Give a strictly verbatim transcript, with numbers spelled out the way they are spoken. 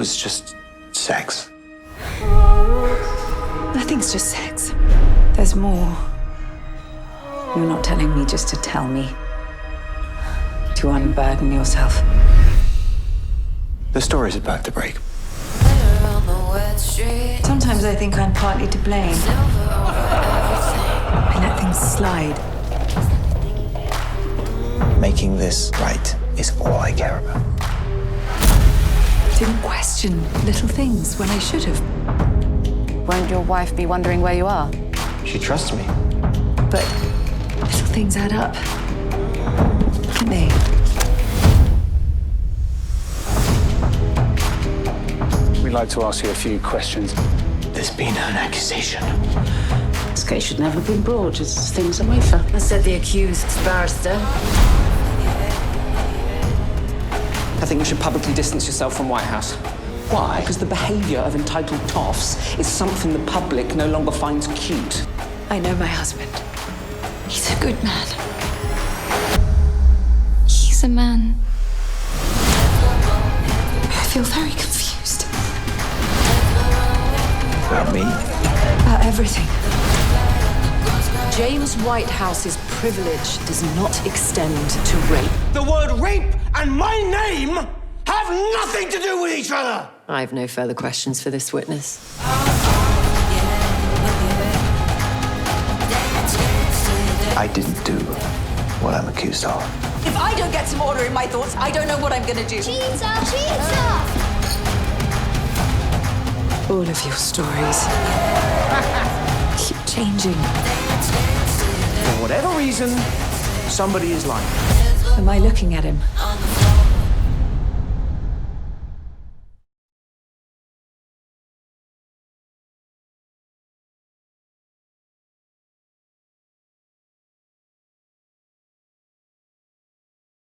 was just sex. Nothing's just sex. There's more. You're not telling me just to tell me. To unburden yourself. The story's about to break. Sometimes I think I'm partly to blame. I let things slide. Making this right is all I care about. Didn't question little things when I should have. Won't your wife be wondering where you are? She trusts me. But little things add up. Don't they? We'd like to ask you a few questions. There's been an accusation. This case should never have been brought as things are wafer. I said the accused barrister. I think you should publicly distance yourself from White House. Why? Because the behaviour of entitled toffs is something the public no longer finds cute. I know my husband. He's a good man. He's a man. I feel very confused. About me? About everything. James Whitehouse's privilege does not extend to rape. The word rape and my name have nothing to do with each other! I have no further questions for this witness. I didn't do what I'm accused of. If I don't get some order in my thoughts, I don't know what I'm gonna do. Cheater! Cheater! All of your stories keep changing. For whatever reason, somebody is lying. Am I looking at him?